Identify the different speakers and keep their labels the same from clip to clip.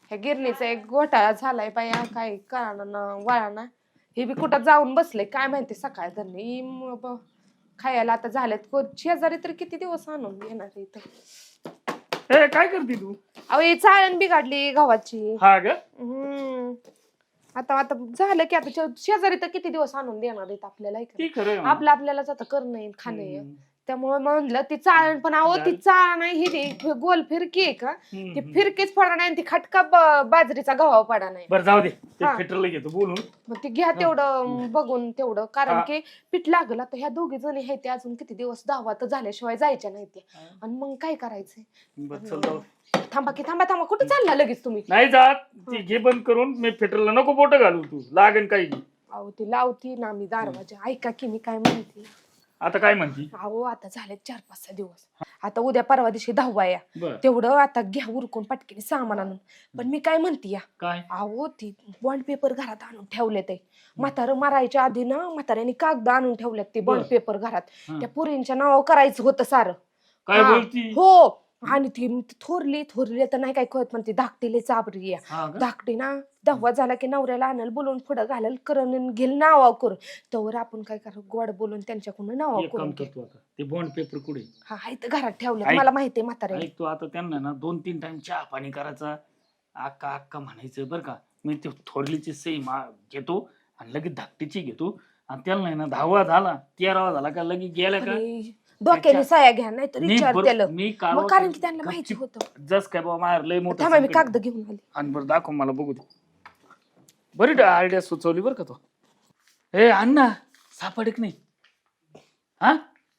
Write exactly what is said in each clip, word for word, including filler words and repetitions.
Speaker 1: ह्या गिरणीचा एक घोटाळा झालाय बाया, काय कळाना वळाना. हे बी कुठं जाऊन बसले काय माहिती सकाळ धरणी खायला आता झाल्यात. शेजारी तर किती दिवस आणून येणार इथं.
Speaker 2: ए काय करते तू?
Speaker 1: अहो ही चाळण बिघडली गव्हाची.
Speaker 2: हा ग
Speaker 1: हम्म आता आता झालं की आता शेजारी तर किती दिवस आणून देणार आहेत आपल्याला.
Speaker 2: ती खरं
Speaker 1: आपलं आपल्यालाच आता करणं येईल खाणं येईल. त्यामुळे म्हणलं ती चाळण पण आहो ती चाळ नाही ही गोल फिरकी आहे का ती फिरकीच पडा नाही ती खटका बाजरीचा गव्हा पडा नाही.
Speaker 2: बरं जाऊ दे फिटरला घेतो बोलून.
Speaker 1: मग ती घ्या तेवढं बघून तेवढं कारण की पीठ लागलं आता ह्या दोघी जणी आहेत ते अजून किती दिवस दहावा तर झाल्याशिवाय जायच्या नाही ते. आणि मग काय करायचंय. थांबा की थांबा थांबा कुठे चालला लगेच तुम्ही?
Speaker 2: नाही जात ती घे बंद करून मी फिटरला नको बोट घालू तू लागेल काही.
Speaker 1: अहो ती लावती ना मी दरवाजा. ऐका की मी काय म्हणते.
Speaker 2: आता काय म्हणती?
Speaker 1: अहो आता झाले चार पाच सहा दिवस. आता उद्या परवा दिवशी दहावा या तेवढं आता घ्या उरकून पटकीने सामान आणून. पण मी काय म्हणते या
Speaker 2: काय
Speaker 1: अहो ती बॉन्ड पेपर घरात आणून ठेवले ते म्हातारं मारायच्या आधी ना म्हाताऱ्याने कागद आणून ठेवल्यात ते बॉन्ड पेपर घरात. त्या पुरींच्या नावावर करायचं होतं सारं.
Speaker 2: काय बोलती?
Speaker 1: हो आणि ती थोरली थोरली तर नाही काय कळत पण ती धाकटीले चाबरी आहे. धाकटी ना दहावा झाला की नवऱ्याला आणायला बोलून पुढं घालायला करून घेल नावा करून तवर आपण काय करू गोड बोलून त्यांच्याकडून नावा करून
Speaker 2: ते बॉन्ड पेपर कुठे?
Speaker 1: हा तर घरात ठेवलं मला माहितीये म्हाताऱ्या.
Speaker 2: तू आता त्यांना ना दोन तीन टाइम चहा पाणी करायचा अक्का अक्का म्हणायचं बरं का. मी ते थोरलीची सई घेतो आणि लगेच धाकटीची घेतो आणि त्यांना ना दहावा झाला तेरावा झाला का लगेच गेल्या का
Speaker 1: डोक्याने साया घ्या नाही तर विचार त्याला
Speaker 2: मी
Speaker 1: कारण की त्यांना माहिती होतं
Speaker 2: जस काय बाबा मार लय मोठं.
Speaker 1: थांबा मी कागद घेऊन आले.
Speaker 2: आणि बरं दाखव मला बघू दे. बरी आयडिया सुचवली बरं का तो. ए अण्णा सापडक नाही हा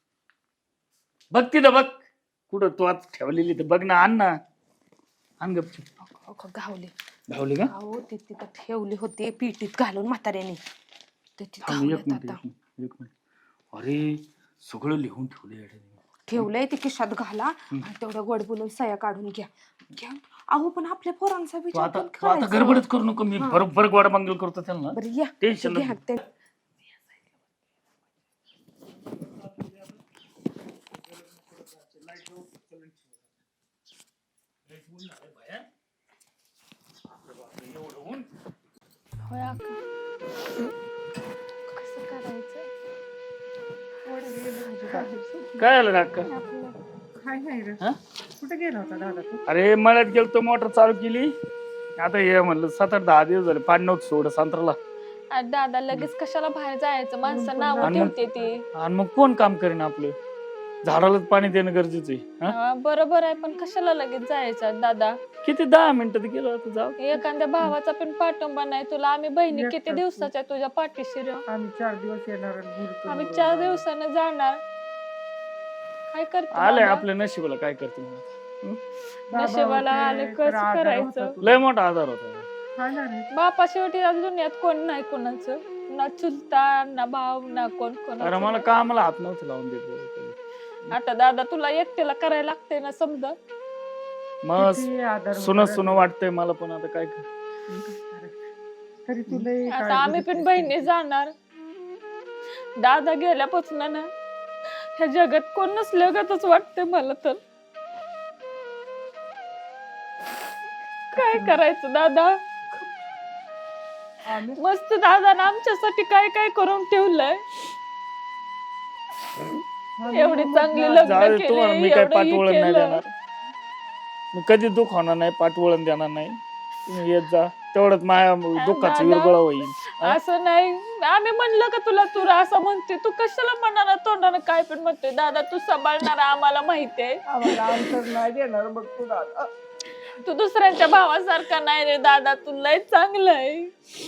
Speaker 2: बघ तिथं बघ कुठं तू आज ठेवलेली तर बघ ना अण्णा. आण गपचूप.
Speaker 1: गावले
Speaker 2: गावले का?
Speaker 1: हो ते तिथं ठेवली होती पिटीत घालून म्हाताऱ्याने.
Speaker 2: अरे सगळं लिहून ठेवलंय
Speaker 1: ठेवलंय ते खिशात घाला आणि तेवढं गोड बोलून सया काढून घ्या घ्या. अहो पण आपल्या पोरांचा विचार
Speaker 2: आता गडबडच करू नको. मी बरोबर गोड मंगल करतो त्यांना.
Speaker 1: बरं या
Speaker 2: टेन्शन
Speaker 1: घ्या. कसं करायचं
Speaker 2: काय आलं अक्का?
Speaker 3: कुठे गेला होता दादा तू?
Speaker 2: अरे मळ्यात गेलतो मोटर चालू केली आता हे म्हणलं सात आठ दहा दिवस झाले पाणी नव्हतं सोड संत्राला.
Speaker 4: दादा लगेच कशाला बाहेर जायचं माणसं नाव ठेवते ती.
Speaker 2: आणि मग कोण काम करेन आपलं झाडालाच पाणी देणं गरजेचं आहे.
Speaker 4: बरोबर आहे पण कशाला लगेच जायचं दादा?
Speaker 2: किती दहा मिनिटात गेलो आता जाऊ.
Speaker 4: एखाद्या भावाचा पण पाठिंबा नाही तुला. आम्ही बहिणी किती दिवसाच्या तुझ्या पाठीशी रे.
Speaker 3: आम्ही चार दिवस येणार
Speaker 4: आम्ही चार दिवसानं जाणार. काय करतो
Speaker 2: आलंय आपल्या नशिबाला काय करते
Speaker 4: नशिबाला आले कसं करायचं.
Speaker 2: लय मोठा आधार होता.
Speaker 4: बापा शेवटी दुनियात कोण नाही कोणाचं ना चुलता ना भाव ना कोण कोण.
Speaker 2: अरे मला कामाला हात नव्हतं लावून देत.
Speaker 4: आता दादा तुला एकट्याला करायला लागतंय ना समजा.
Speaker 2: मग सुन सुन वाटतंय मला पण आता काय कर.
Speaker 3: तरी तुला
Speaker 4: आता आम्ही पण बहिणी जाणार. दादा गेल्यापासून ना ह्या जगात कोण नसल्यागतच वाटतंय मला तर. काय करायचं दादा? मस्त दादा ना आमच्यासाठी काय काय करून ठेवलंय. एवढी चांगली लग्न केली.
Speaker 2: मी काय पाठवळण नाही देणार. मी कधी दुःख होणार नाही पाठवळण देणार नाही. तुम्ही येत जा तेवढंच माझ्या दुःखाचा विरगळा होईल.
Speaker 4: असं नाही आम्ही म्हणलं का तुला तू असं म्हणते तू कशाला म्हणणार तोंडानं काय पण म्हणतोय. दादा तू सांभाळणार आम्हाला माहितीये.
Speaker 3: आम्हाला अंतर नाही देणार बघ तू दादा.
Speaker 4: तू दुसऱ्यांच्या भावासारखा नाही रे दादा. तू लय चांगलं आहे.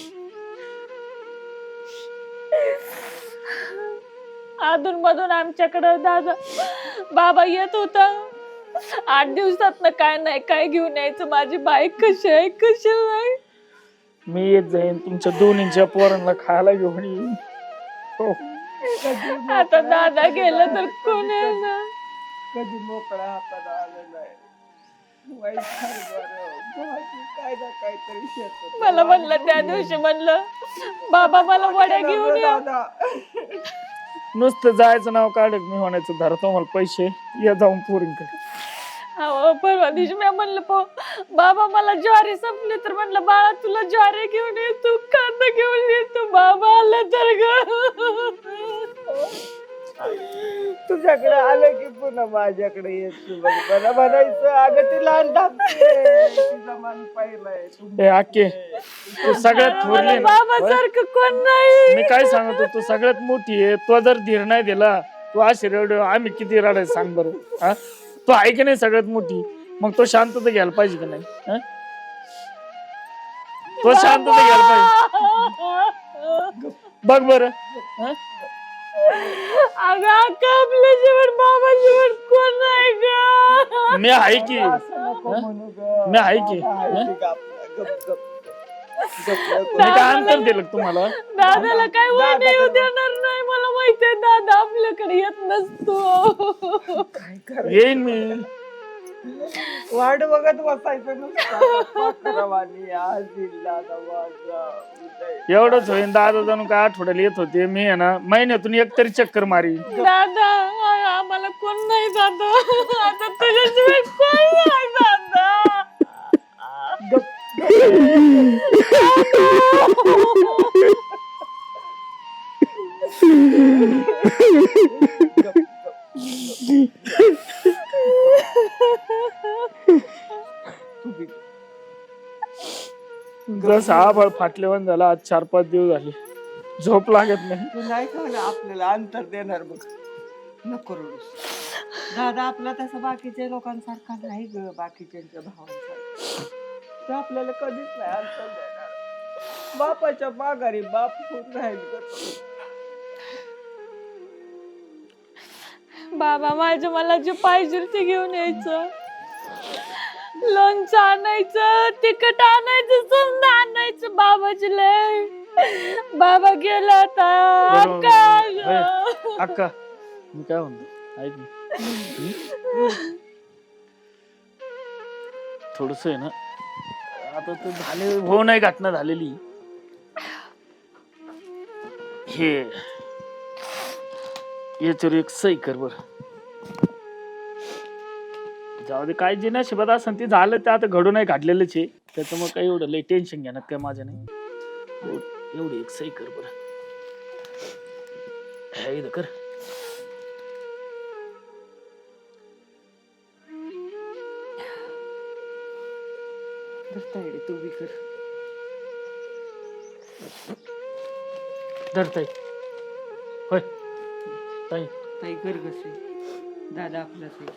Speaker 4: अधून मधून आमच्याकडं दादा बाबा येत होता. आठ दिवसात ना काय नाही काय घेऊन यायचं. माझी बाईक कशी आहे कशी नाही.
Speaker 2: मी येत जाईन तुमच्या दोन्हीच्या पोरांना खायला घेऊन येईन. हो
Speaker 4: आता दादा गेलं तर कोण आहे ना.
Speaker 3: कधी मोकळा हातात आलं नाही. काय ना काहीतरी शेत
Speaker 4: मला म्हणलं त्या दिवशी म्हणलं बाबा मला वड्या घेऊन या.
Speaker 2: नुसतं जायचं नाव काढत मी म्हणायचं धरतो मला पैसे या जाऊन पोरींकडे.
Speaker 4: अहो, परवा दिवशी मी म्हणलं पो बाबा मला ज्वारी संपली तर म्हणलं बाळा तुला ज्वारी घेऊन ये तू कांदा घेऊन ये तू बाबा आलं तर ग
Speaker 3: तुझ्याकडे आलं की पुन्हा माझ्याकडे येत तू बघ. मला म्हणायचं अगं ती लहान धाकटी तिचा मान पाहिलाय
Speaker 2: ए आके तू सगळ्यात थोरली ना
Speaker 4: बाबा
Speaker 2: होय?
Speaker 4: सारखं कोण नाही
Speaker 2: मी काय सांगतो तू सगळ्यात मोठी आहे. तो जर धीर नाही दिला तू अशी रड आम्ही किती रडायचं सांग बरं. हा तू आहे की नाही सगळ्यात मोठी, मग तो शांतता घ्यायला पाहिजे का नाही? हा? तो शांतता घ्यायला पाहिजे. बघ बरं हा?
Speaker 4: अगं अक्का आपल्या जीवन बाबा जीवन कोण नाही ग
Speaker 2: मी आहे की
Speaker 3: असं नको म्हणू ग.
Speaker 2: मी आहे की
Speaker 3: आहे
Speaker 2: हा?
Speaker 3: की गप, गप, गप. गप, गप.
Speaker 2: मी काय अंतर दिलं का तुम्हाला?
Speaker 4: दादाला काय वाईट येऊ देणार नाही मला माहितीये दादा आपल्याकडे येत नसतो
Speaker 3: काय करायचं?
Speaker 2: येईन मी.
Speaker 3: वाट बघत बसायचं नुसतं. पाखरावाणी आज येईल दादा माझा उदय.
Speaker 2: एवढंच होईन. दादा जाणून काय आठवड्याला येत होते. मी आहे ना महिन्यातून एक तरी चक्कर मारी.
Speaker 4: दादा आ- आम्हाला कोण नाही दादा आता तुझ्याशिवाय कोण नाही दादा
Speaker 3: गप, गप, गप. तू बी
Speaker 2: जसं आभाळ फाटलेवन झाला. आज चार पाच दिवस झाले झोप लागत नाही.
Speaker 3: तू नाही का म्हणा आपल्याला अंतर देणार बघ. नको रडूस. दादा आपला तसा बाकीच्या लोकांसारखा नाही ग. बाकीच्या भावांसारखा तो आपल्याला कधीच नाही अंतर देणार. बापाच्या माघारी बाप होऊन राहील ग तो.
Speaker 4: बाबा माझं मला जे पाहिजे ते घेऊन यायचं. लोणचं आणायचं, तिखट आणायचं, समजा आणायचं बाबाची लय. बाबा गेला आता
Speaker 2: बरोबर.
Speaker 4: अक्का
Speaker 2: होय. अक्का मी काय म्हणतो ऐक ना. थोडस आहे ना आता तर झाले हो नाही घटना झालेली. हे याच्यावर एक सही कर बर. जाऊ दे काय जे नशिबात असं ते झालं ते आता घडून नाही घडलेलंच आहे. त्याच्यामुळे काही एवढं लई टेन्शन घेणार काय माझ्या नाही. एवढ- एवढी एक सही कर बर. हे इथं कर.
Speaker 3: तायडे तू बी कर.
Speaker 2: धर ताई. होय ताई
Speaker 3: ताई कर कसे दादा आपलाच आहे.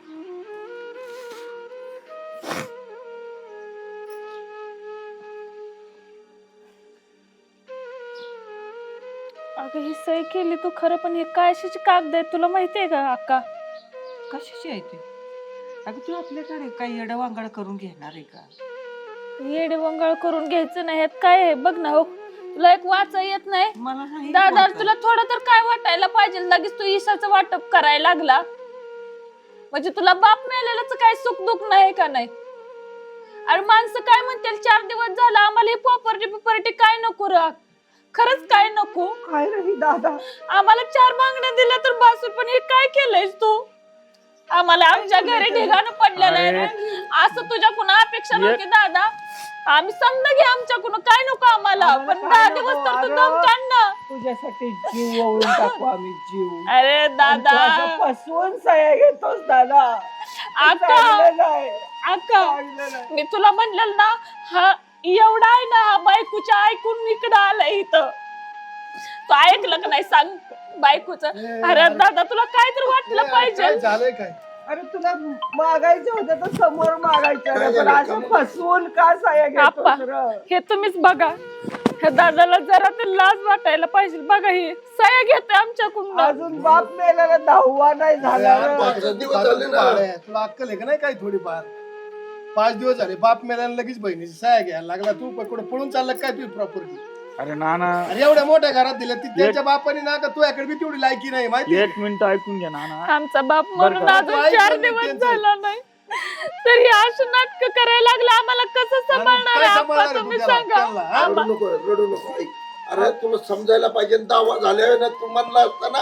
Speaker 4: अगं ही सही केली तू खरं पण हे काय अशीची कागद आहेत तुला माहितीये का अक्का?
Speaker 3: कशाची आहे ते? अगं तू आपल्याकडे काही येडवांगड करून घेणार आहे का?
Speaker 4: येडे वंगाळ करून घ्यायचं नाही ह्यात काय आहे बघ ना हो. तुला एक वाचा येत नाही
Speaker 3: मला नाही
Speaker 4: दादा
Speaker 3: वाटत.
Speaker 4: तुला थोडं तर काय वाटायला पाहिजे. लगेच तू ईशाचं वाटप करायला लागला म्हणजे तुला बाप मिळालेलं काय सुख दुःख नाही का नाही? अरे माणसं काय म्हणतील चार दिवस झाला आम्हाला ही प्रॉपर्टी प्रॉपर्टी काय नको राग. खरंच काय नको.
Speaker 3: काय रे दादा
Speaker 4: आम्हाला चार मागण्या दिल्या तर बासूर पण हे काय केलंयस तू? आम्हाला आमच्या घरी ढिगाणं पडलेलं आहे रे. असं तुझ्याकडून अपेक्षा नव्हती दादा. आम्ही समजा घे आमच्याकडून काय नको आम्हाला
Speaker 3: आम्हाला
Speaker 4: पण
Speaker 3: काय
Speaker 4: दहा
Speaker 3: नको,
Speaker 4: दिवस तर तू
Speaker 3: अरे.
Speaker 4: दम काढ ना.
Speaker 3: तुझ्यासाठी जीव ओळून टाकू आम्ही जीव.
Speaker 4: अरे
Speaker 3: आणि तू
Speaker 4: दादा
Speaker 3: असं फसवून सह्या घेतोस दादा.
Speaker 4: अक्का
Speaker 3: चांगलं नाही,
Speaker 4: अक्का
Speaker 3: चांगलं नाही.
Speaker 4: मी तुला म्हणलेलं ना हा एवढा आहे ना हा बायकोच्या ऐकून इकडं आलाय इथं. तू ऐकलं का नाही सांग बायकोचं. अरे दादा तुला काय तर वाटलं पाहिजे.
Speaker 5: काय झालंय काय?
Speaker 3: अरे तुला मागायचं होतं तर समोर मागायचं रे, पण असं फसवून का सह्या
Speaker 4: आप्पा
Speaker 3: घेतोस रे?
Speaker 4: हे तुम्हीच बघा. ह्या दादाला जरा तर लाज वाटायला पाहिजे. बघा हे सह्या घेतोय आमच्याकडून.
Speaker 3: अजून बाप मेलेला दहावा नाही झाला
Speaker 5: अरे,
Speaker 3: रे.
Speaker 5: पाच दिवस झाले ना. तुला अक्कल आहे का नाही काय थोडीफार? पाच दिवस झाले बाप मेल्यानं लगेच बहिणीची सहाय्या घ्यायला लागला. तू कुठे पळून चालला काय तुझी प्रॉपर्टी?
Speaker 2: अरे नाना
Speaker 5: अरे एवढ्या मोठ्या घरात दिल्या ती त्याच्या बापाने ना का तुझ्याकडे बी तेवढी लायकी नाही माहिती?
Speaker 2: एक मिनिट ऐकून घ्या नाना.
Speaker 4: आमचा बाप म्हणून
Speaker 2: का?
Speaker 4: अजून
Speaker 5: ऐक
Speaker 4: चार
Speaker 5: ना
Speaker 4: दिवस
Speaker 5: त्यांचं.
Speaker 4: झाला नाही तरी अशी नाटक करायला लागला. आम्हाला कसं सांभाळणार
Speaker 5: काय
Speaker 4: आहे
Speaker 5: सांभाळणार
Speaker 4: आप्पा
Speaker 5: आहे
Speaker 4: तुम्ही
Speaker 5: तू त्याला?
Speaker 4: सांगा.
Speaker 5: त्याला, हा?
Speaker 4: आम्हा-
Speaker 6: रडू नको रडू नको ऐक. अरे तुला समजायला पाहिजे दावा झाल्यावर ना तू म्हणला असता ना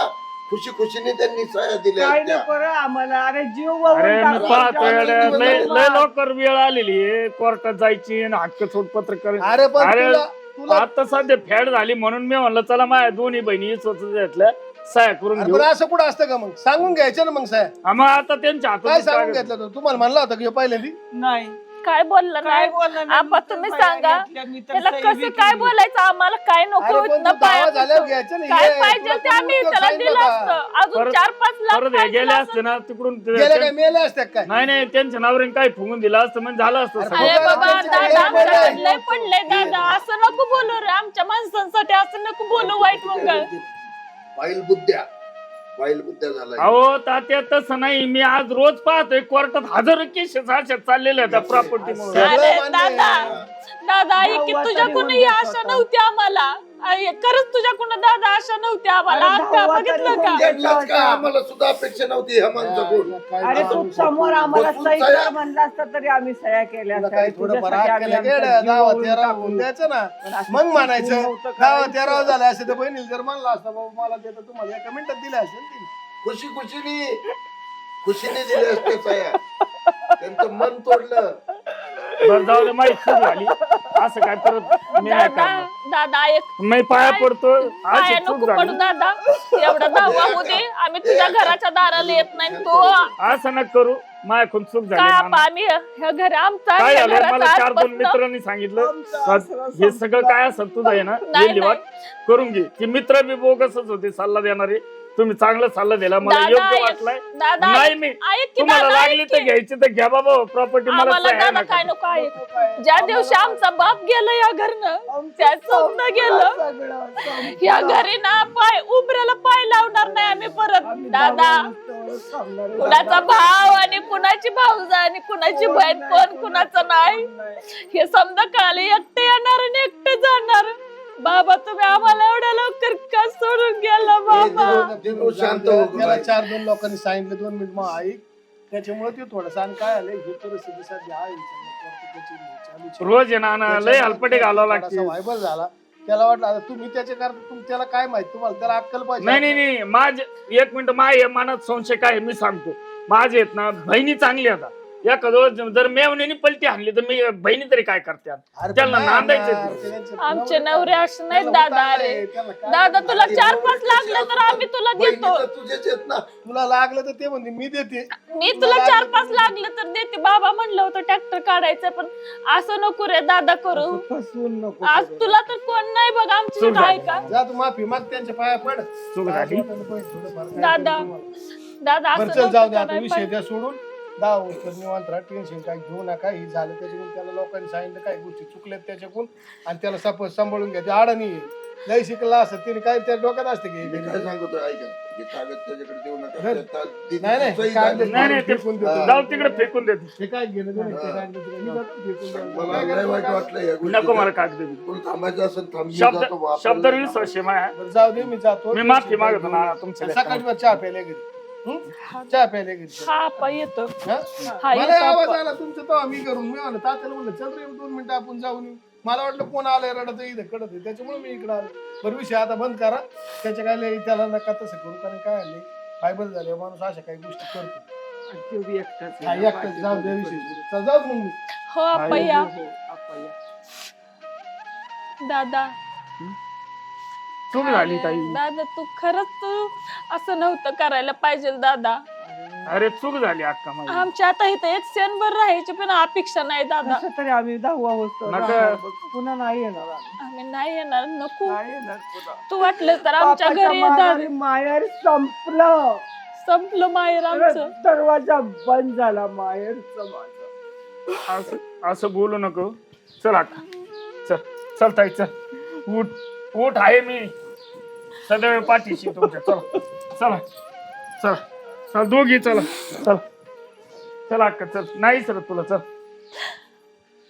Speaker 6: खुशी खुशीने त्यांनी सह्या दिल्या
Speaker 3: काय
Speaker 6: असत्या.
Speaker 3: नको रे आम्हाला, अरे जीव
Speaker 2: अरे
Speaker 3: वळवून
Speaker 2: मी
Speaker 3: टाकला.
Speaker 2: पाहतोय
Speaker 6: आमच्या
Speaker 2: अरे, लय
Speaker 6: आनंदी
Speaker 2: लय लवकर वेळ आलेली आहे कोर्टात जायची आणि हक्क सोडपत्र कर
Speaker 5: अरे पण
Speaker 2: अरे
Speaker 5: तुला तुला
Speaker 2: आता सध्या फॅड झाली म्हणून मी म्हणलं चला माझ्या दोन्ही बहिणी स्वतःच्या सह्या करून
Speaker 5: अरे
Speaker 2: घेऊ
Speaker 5: पण असं कुठं असतं का मग सांगून घ्यायचं ना मग साहेब
Speaker 2: हा, मग आता त्यांच्या
Speaker 5: काय
Speaker 2: हातात
Speaker 5: सांगून घेतलं होतं? तुम्हाला म्हणलं होतं की पहिल्यांदी
Speaker 3: नाही
Speaker 4: काय बोललं
Speaker 3: काय
Speaker 4: नाही
Speaker 3: बोलणार नाही,
Speaker 4: आपा
Speaker 3: मी तर
Speaker 4: तुम्ही
Speaker 3: सह्या
Speaker 4: सांगा
Speaker 3: घेतल्या, मी तर
Speaker 4: त्याला
Speaker 3: सही
Speaker 4: कसं
Speaker 3: बी
Speaker 4: काय
Speaker 3: केली.
Speaker 4: बोलायचं आम्हाला काय नको
Speaker 5: अरे पण
Speaker 4: ना
Speaker 5: तू दावा
Speaker 4: पाया
Speaker 5: झाल्यावर
Speaker 4: पडतो.
Speaker 5: घ्यायचं ना
Speaker 4: काय
Speaker 5: हे,
Speaker 4: पाहिजे
Speaker 5: तुला
Speaker 4: ते
Speaker 5: कोणी
Speaker 4: आम्ही
Speaker 5: उद्योग
Speaker 4: त्याला
Speaker 5: सांगितलं
Speaker 4: दिलं
Speaker 5: का?
Speaker 4: असतं अजून
Speaker 2: परत-
Speaker 4: चार पाच लाख
Speaker 2: परत हे
Speaker 4: पाहिजे
Speaker 2: गेले
Speaker 4: असतं.
Speaker 2: असते ना तिकडून
Speaker 5: गेले काय मेले असतात काय
Speaker 2: नाही नाही त्यांच्या नावरीने काय फुगून दिलं असतं म्हणजे झालं असतं
Speaker 5: अरे
Speaker 2: सगळं.
Speaker 4: अरे
Speaker 5: बघा,
Speaker 4: बाबा
Speaker 5: त्यांचे
Speaker 4: दादा
Speaker 5: काय
Speaker 4: आमच्या
Speaker 5: बोलले?
Speaker 4: लय पडले दादा असं नको बोलू रे आमच्या माणसांसाठी असं नको बोलू वाईट मंगळ
Speaker 6: वाईल बुद्ध्या वाईल बुद्ध्या झाला
Speaker 2: अहो तात्या तसं नाही मी आज रोज पाहतोय कोर्टात हजारो केसेस अशा चाललेल्या त्या प्रॉपर्टी
Speaker 5: सगळं
Speaker 4: अरे
Speaker 5: मान्य आहे.
Speaker 4: दादा दादा आई की
Speaker 3: दहावा तरी
Speaker 4: तुझ्याकडून
Speaker 3: होऊन
Speaker 4: ही
Speaker 3: द्यायचा
Speaker 4: आशा
Speaker 3: होता.
Speaker 4: नव्हती आम्हाला आई, खरंच तुझ्याकडून दादा आशा नव्हती आम्हाला
Speaker 3: अरे
Speaker 4: अक्का
Speaker 3: दहावा तरी
Speaker 4: बघितलं
Speaker 3: होऊन
Speaker 4: का
Speaker 3: द्यायचा.
Speaker 6: त्यांनाच काय आम्हाला सुद्धा अपेक्षा नव्हती ह्या माणसाकडून
Speaker 5: काय
Speaker 3: अरे
Speaker 5: नाव
Speaker 3: तू
Speaker 5: आहे?
Speaker 3: समोर आम्हाला
Speaker 6: बसून
Speaker 3: सही
Speaker 6: सह्या-
Speaker 3: कर म्हणलं असतं तरी आम्ही सह्या केल्या
Speaker 5: तुला
Speaker 3: असत्या.
Speaker 5: काही थोडं
Speaker 3: तुझ्यासाठी
Speaker 5: बरं
Speaker 3: आम्ही
Speaker 5: केलं
Speaker 3: आमचा
Speaker 5: गेलं
Speaker 3: जीव
Speaker 5: दहावा
Speaker 3: वळवून
Speaker 5: तेरा
Speaker 3: टाकू.
Speaker 5: होऊन द्यायचं ना
Speaker 3: पण असं
Speaker 5: मग
Speaker 3: तू
Speaker 5: म्हणायचं
Speaker 3: नव्हतं
Speaker 5: दहावा
Speaker 3: करायचं.
Speaker 5: तेरावा झाला असं तर बहिणीला जर म्हणलं असतं बाबा मला ते तर तुम्हाला एका मिनिटात दिलं असेल ती.
Speaker 6: खुशी खुशीने खुशीने दिल्या असत्या सह्या. त्यांचं मन तोडलं.
Speaker 2: बरं जाऊ दे माहिती चूक झाली असं काय परत मी नाही
Speaker 4: दादा
Speaker 2: करणार
Speaker 4: दादा एक
Speaker 2: मी पाया पडतो
Speaker 4: पाया
Speaker 2: अशी
Speaker 4: नको
Speaker 2: चूक
Speaker 4: पडू
Speaker 2: झाली
Speaker 4: दादा एवढा दहावा होऊ दे आम्ही तुझ्या घराच्या दाराला येत नाही तो
Speaker 2: असं नका करू माझ्याकडून चूक झाली
Speaker 4: काय
Speaker 2: नाना.
Speaker 4: आपा आम्ही ह्या घर आमचा
Speaker 2: काय
Speaker 4: ह्या
Speaker 2: झालं मला
Speaker 4: घराचा
Speaker 2: चार दोन
Speaker 4: आजपासनं-
Speaker 2: मित्रांनी सांगितलं
Speaker 3: आमचं
Speaker 2: का
Speaker 3: असं
Speaker 2: हे सगळं काय असेल तुझं आहे ना
Speaker 4: नाही,
Speaker 2: हे लिवाट करून घे ती मित्र बी बोगसच होते सल्ला देणारे तुम्ही चांगला सल्ला दिला मला
Speaker 4: दादा
Speaker 2: योग्य
Speaker 4: ऐक-
Speaker 2: वाटलाय
Speaker 4: दादा
Speaker 2: नाही
Speaker 4: ऐक-
Speaker 2: मी
Speaker 4: ऐक की
Speaker 2: तुम्हाला
Speaker 4: दादा
Speaker 2: लागली
Speaker 4: ऐक
Speaker 2: तर
Speaker 4: की.
Speaker 2: घ्यायची तर घ्या बाबा प्रॉपर्टी मला
Speaker 4: आम्हाला
Speaker 2: सह्या
Speaker 4: दादा
Speaker 2: नका.
Speaker 4: काय नको ऐक
Speaker 3: नको काय.
Speaker 4: ज्या दिवशी आमचा बाप गेला या घरनं
Speaker 3: आमचं
Speaker 4: त्या स्वप्न गेलं
Speaker 3: सगळं संपलं.
Speaker 4: या घरी ना पाय उभऱ्याला पाय लावणार नाही आम्ही परत
Speaker 3: आम्ही
Speaker 4: दादा
Speaker 3: दहावा रस्त्यावरच थांबणार आहे.
Speaker 4: कुणाचा भाव आणि कुणाची भावजा आणि कुणाची बहीण कोण कुणाचं नाही हे समजा कळाले एकटे येणार आणि एकटे जाणार बाबा तुम्ही आम्हाला एवढ्या लवकर का सोडून गेला बाबा
Speaker 6: ते तो शांत हो गं
Speaker 5: त्याला
Speaker 6: बाई.
Speaker 5: चार दोन लोकांनी सांगितलं दोन मिनिट मग ऐक त्याच्यामुळे ते थोडंसं आणि काय आलंय ही परिस्थिती सध्या आहे त्याची चालूच आहे.
Speaker 2: रोज आहे ना ना लय हलपटे घालावं
Speaker 5: थोडासा
Speaker 2: लागते
Speaker 5: व्हायबल झाला त्याला वाटलं आता तुम्ही त्याच्या कारण तुम त्याला काय माहित तुम्हाला त्याला अक्कल पाहिजे
Speaker 2: नाही नाही नाही माझे एक मिनिट माझ्या मनात संशय काय आहे मी सांगतो माझे आहेत ना बहिणी चांगली आता एखादं जर मेवणीने पलटी आणली तर मी बहिणी तरी काय करते
Speaker 5: अरे पण
Speaker 2: त्यांना
Speaker 5: नाही
Speaker 2: नांदायचं
Speaker 5: आणणार,
Speaker 2: ते.
Speaker 5: ते त्यांचे
Speaker 4: आमचे
Speaker 5: नवरे
Speaker 4: नवरे असे
Speaker 5: काय?
Speaker 4: नाहीत
Speaker 5: त्याला
Speaker 4: दादा
Speaker 5: उतारलंय,
Speaker 4: अरे
Speaker 5: त्याला काय?
Speaker 4: दादा तुला
Speaker 6: अरे
Speaker 4: चार
Speaker 6: एवढं
Speaker 4: पाच
Speaker 6: कशी
Speaker 4: लागले तर
Speaker 6: आपण-
Speaker 4: आम्ही तुला
Speaker 6: बहिणी
Speaker 4: देतो
Speaker 6: तर तुझेच आहेत ना.
Speaker 5: तुला लागलं तर ते म्हणते मी देते
Speaker 4: मी तुला चार पाच लागले तर देते बाबा म्हणलं होतं ट्रॅक्टर काढायचं पण असं नको रे दादा करू
Speaker 3: फसवून नको
Speaker 4: आज
Speaker 3: करू.
Speaker 4: तुला तर कोण नाही बघ आमची
Speaker 2: चूक
Speaker 4: आहे
Speaker 2: झाली.
Speaker 4: का
Speaker 5: जा तू माफी माग त्यांच्या पाया पड
Speaker 2: चूक झाली
Speaker 4: दादा दादा
Speaker 5: बरं
Speaker 4: असं
Speaker 5: चल जाऊ दे
Speaker 4: नव्हतं
Speaker 5: आता
Speaker 4: करायला
Speaker 5: विषय
Speaker 4: पाहिजे.
Speaker 5: द्या सोडून दहा वर्ष निवांत राहा टेन्शन काय घेऊ नका ही झालं त्याच्याकडून त्याला लोकांनी सांगितलं काही गोष्टी चुकल्यात त्याच्याकडून आणि त्याला सप सांभाळून घ्या ते अडाणी आहे. लय शिकला असत तिने काय त्या डोक्यात असते की
Speaker 6: मी काय सांगतो ऐका हे कागद त्याच्याकडे देऊ नका.
Speaker 5: धर.
Speaker 6: त्याचा दि-
Speaker 5: नाही नाही
Speaker 6: सही
Speaker 5: कागद
Speaker 6: झाली.
Speaker 2: नाही नाही ते
Speaker 5: फेकून देतो.
Speaker 2: जाऊ तिकडे फेकून देते
Speaker 5: हे काय घेणं देणं ते कागद तिकडे. मी जातो फेकून द्यायला.
Speaker 6: मला
Speaker 5: काय
Speaker 6: लय
Speaker 5: करायचं
Speaker 6: वाईट
Speaker 5: कागद?
Speaker 6: वाटलं या
Speaker 2: नको
Speaker 6: गोष्टीचं.
Speaker 2: मला कागद दे.
Speaker 6: तुला थांबायचं असेल थांब मी
Speaker 2: शब्द
Speaker 6: जातो बा.
Speaker 2: शब्द
Speaker 6: आपल्याला
Speaker 2: वीस वर्षे माया
Speaker 5: बरं जाऊ दे मी जातो
Speaker 2: मी माफी मागतो ना तुमच्या
Speaker 5: सकाळी बरं चहा प्यायला घरी हं? चहा प्यायला घरी
Speaker 4: हा आपा येतो
Speaker 5: हं?
Speaker 4: हा
Speaker 5: मला
Speaker 4: येतो
Speaker 5: आवाज
Speaker 4: आपा.
Speaker 5: आला तुमचं तेव्हा मी करून मी म्हणलं तात्याला म्हणलं चल रे दोन मिनिटं आपण जाऊन येऊ मला वाटलं कोण आलंय रडत इथं कडत आहे त्याच्यामुळे मी इकडे आलो बरं विषय आता बंद करा त्याच्या काय लय त्याला नका तसं करू कारण काय आलंय फायबल झाले माणूस अशा काही गोष्टी करतो
Speaker 3: जीव बी एकटाच आहे.
Speaker 5: हा, एकटाच जाऊ दे विषय चल जाऊ मग मी
Speaker 4: हो आपा या
Speaker 3: हो, हो, आपण या.
Speaker 4: दादा
Speaker 2: चूक झाली ताई
Speaker 4: दादा तू खरंच तू असं नव्हतं करायला पाहिजे दादा
Speaker 2: अरे चूक झाली अक्का माझी
Speaker 4: आमच्या आता इथे एक क्षणभर राहायची पण अपेक्षा नाही दादा
Speaker 3: कसं तरी आम्ही दहावा वस्तू
Speaker 2: नका.
Speaker 3: पुन्हा नाही येणार आम्ही.
Speaker 4: आम्ही नाही येणार नको
Speaker 3: नाही येणार पुन्हा.
Speaker 4: तू वाटलं तर आमच्या
Speaker 3: बापाच्या
Speaker 4: घरी येतात
Speaker 3: माघारी माहेर संपलं
Speaker 4: संपलं माहेर आमचं
Speaker 3: दरवाजा बंद झाला माहेरचं माझं.
Speaker 2: असं असं बोलू नको चल अक्का चल चल ताई चल उठ उठ आहे मी सदैव पाठीशी तुमच्या चला चला चला चला दोघी चला चला चला अक्का चल नाही सर तुला चल